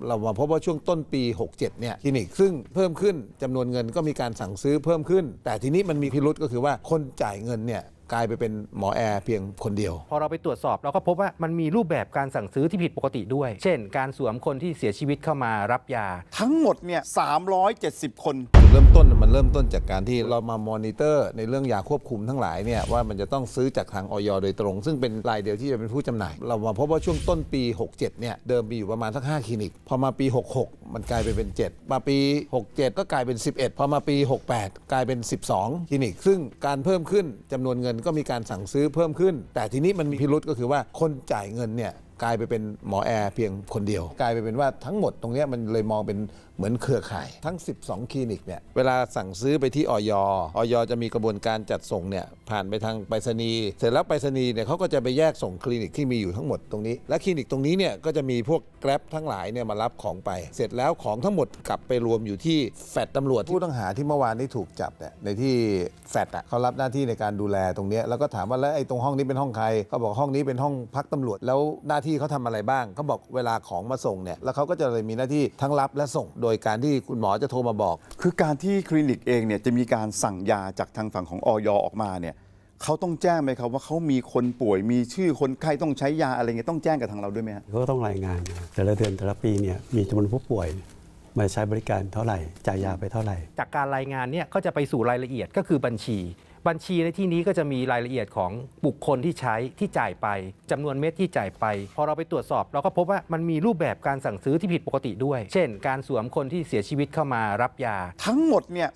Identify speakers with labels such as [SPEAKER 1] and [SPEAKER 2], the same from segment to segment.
[SPEAKER 1] เรามาพบว่าช่วงต้นปี 67 เนี่ยคลินิกซึ่งเพิ่มขึ้นจำนวนเงินก็มีการสั่งซื้อเพิ่มขึ้นแต่ทีนี้มันมีพิรุธก็คือว่าคนจ่ายเงินเนี่ยกลายไปเป็นหมอแอร์เพียงคนเดียว
[SPEAKER 2] พอเราไปตรวจสอบเราก็พบว่ามันมีรูปแบบการสั่งซื้อที่ผิดปกติด้วยเช่นการสวมคนที่เสียชีวิตเข้ามารับยา
[SPEAKER 3] ทั้งหมดเนี่ย370 คน
[SPEAKER 1] จุดเริ่มต้นมันเริ่มต้นจากการที่เรามามอนิเตอร์ในเรื่องยาควบคุมทั้งหลายเนี่ยว่ามันจะต้องซื้อจากทางอย.โดยตรงซึ่งเป็นรายเดียวที่จะเป็นผู้จำหน่ายเรามาพบว่าช่วงต้นปี 67 เนี่ยเดิมมีอยู่ประมาณสัก5คลินิกพอมาปี 66 มันกลายไปเป็น7มาปี 67 ก็กลายเป็น11พอมาปี 68 กลายเป็น12คลินิกซึ่งการเพิ่มขึ้นจำนวนเงินก็มีการสั่งซื้อเพิ่มขึ้นแต่ทีนี้มันมีพิรุธก็คือว่าคนจ่ายเงินเนี่ยกลายไปเป็นหมอแอร์เพียงคนเดียวกลายไปเป็นว่าทั้งหมดตรงนี้มันเลยมองเป็นเหมือนเครือข่ายทั้ง12คลินิกเนี่ยเวลาสั่งซื้อไปที่อย.จะมีกระบวนการจัดส่งเนี่ยผ่านไปทางไปรษณีย์เสร็จแล้วไปรษณีย์เนี่ยเขาก็จะไปแยกส่งคลินิกที่มีอยู่ทั้งหมดตรงนี้และคลินิกตรงนี้เนี่ยก็จะมีพวกแกร็บทั้งหลายเนี่ยมารับของไปเสร็จแล้วของทั้งหมดกลับไปรวมอยู่ที่แฟดตำรวจผู้ต้องหาที่เมื่อวานนี้ถูกจับเนี่ยในที่แฟดเขารับหน้าที่ในการดูแลตรงนี้แล้วก็ถามว่าแล้วไอ้ตรงห้องนี้เป็นห้องใครเขาบอกห้องนี้เป็นห้องพักตำรวจแล้วหน้าที่เขาทำอะไรบ้างเขาบอกเวลาของมาส่งเนี่ยแล้วเขาก็จะเลยมีหน้าที่ทั้งรับและส่งโดยการที่คุณหมอจะโทรมาบอก
[SPEAKER 3] คือการที่คลินิกเองเนี่ยจะมีการสั่งยาจากทางฝั่งของอย.ออกมาเนี่ยเขาต้องแจ้งไหมครับว่าเขามีคนป่วยมีชื่อคนไข้ต้องใช้ยาอะไรเงี้ยต้องแจ้งกับทางเราด้วยไหมครับ
[SPEAKER 4] เขาก็ต้องรายงานแต่ละเดือนแต่ละปีเนี่ยมีจำนวนผู้ป่วยมาใช้บริการเท่าไหร่จ่ายยาไปเท่าไหร่
[SPEAKER 2] จากการรายงานเนี่ยก็จะไปสู่รายละเอียดก็คือบัญชีในที่นี้ก็จะมีรายละเอียดของบุคคลที่ใช้ที่จ่ายไปจำนวนเม็ดที่จ่ายไปพอเราไปตรวจสอบเราก็พบว่ามันมีรูปแบบการสั่งซื้อที่ผิดปกติด้วยเช่นการสวมคนที่เสียชีวิตเข้ามารับยา
[SPEAKER 3] ทั้งหมดเนี่ย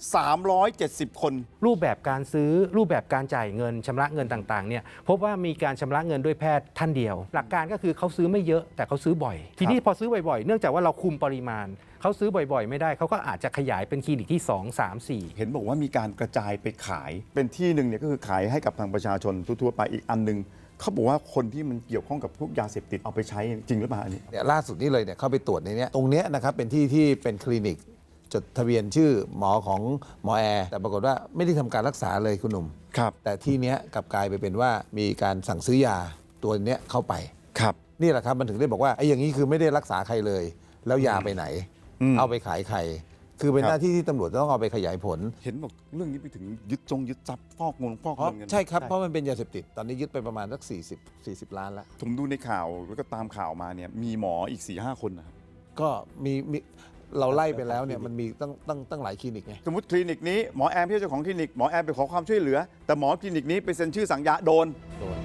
[SPEAKER 3] 370 คน
[SPEAKER 2] รูปแบบการซื้อรูปแบบการจ่ายเงินชำระเงินต่างๆเนี่ยพบว่ามีการชำระเงินด้วยแพทย์ท่านเดียวหลักการก็คือเขาซื้อไม่เยอะแต่เขาซื้อบ่อยทีนี้พอซื้อบ่อยๆเนื่องจากว่าเราคุมปริมาณเขาซื้อบ่อยๆไม่ได้เขาก็อาจจะขยายเป็นคลินิกที่2 3 4
[SPEAKER 3] เห็นบอกว่ามีการกระจายไปขายเป็นที่หนึ่งเนี่ยก็คือขายให้กับทางประชาชนทั่วๆไปอีกอันนึงเขาบอกว่าคนที่มันเกี่ยวข้องกับพวกยาเสพติดเอาไปใช้จริงหรือเปล่าอันนี้
[SPEAKER 1] เนี่ยล่าสุดนี้เลยเนี่ยเข้าไปตรวจในนี้ตรงเนี้ยนะครับเป็นที่ที่เป็นคลินิกจดทะเบียนชื่อหมอของหมอแอร์แต่ปรากฏว่าไม่ได้ทำการรักษาเลยคุณหนุ่ม
[SPEAKER 3] ครับ
[SPEAKER 1] แต่ที่เนี้ยกลับกลายไปเป็นว่ามีการสั่งซื้อยาตัวเนี้ยเข้าไป
[SPEAKER 3] ครับ
[SPEAKER 1] นี่แหละครับมันถึงได้บอกว่าไอ้อย่างนี้คือไม่ได้รักษาใครเลยแล้วยาไปไหนเอาไปขายใครคือเป็นหน้าที่ที่ตำรวจต้องเอาไปขยายผล
[SPEAKER 3] เห็นบอกเรื่องนี้ไปถึงยึดทรัพย์ฟอกเงินกัน
[SPEAKER 1] ใช่ครับเพราะมันเป็นยาเสพติดตอนนี้ยึดไปประมาณสัก40 ล้านแล้ว
[SPEAKER 3] ผมดูในข่าวแล้วก็ตามข่าวมาเนี่ยมีหมออีก 4-5 คนนะครับ
[SPEAKER 1] ก็มีเราไล่ไปแล้วเนี่ยมันมีตั้งหลายคลินิกไง
[SPEAKER 3] สมมติคลินิกนี้หมอแอมที่เจ้าของคลินิกหมอแอมไปขอความช่วยเหลือแต่หมอคลินิกนี้ไปเซ็นชื่อสั่งยาโดน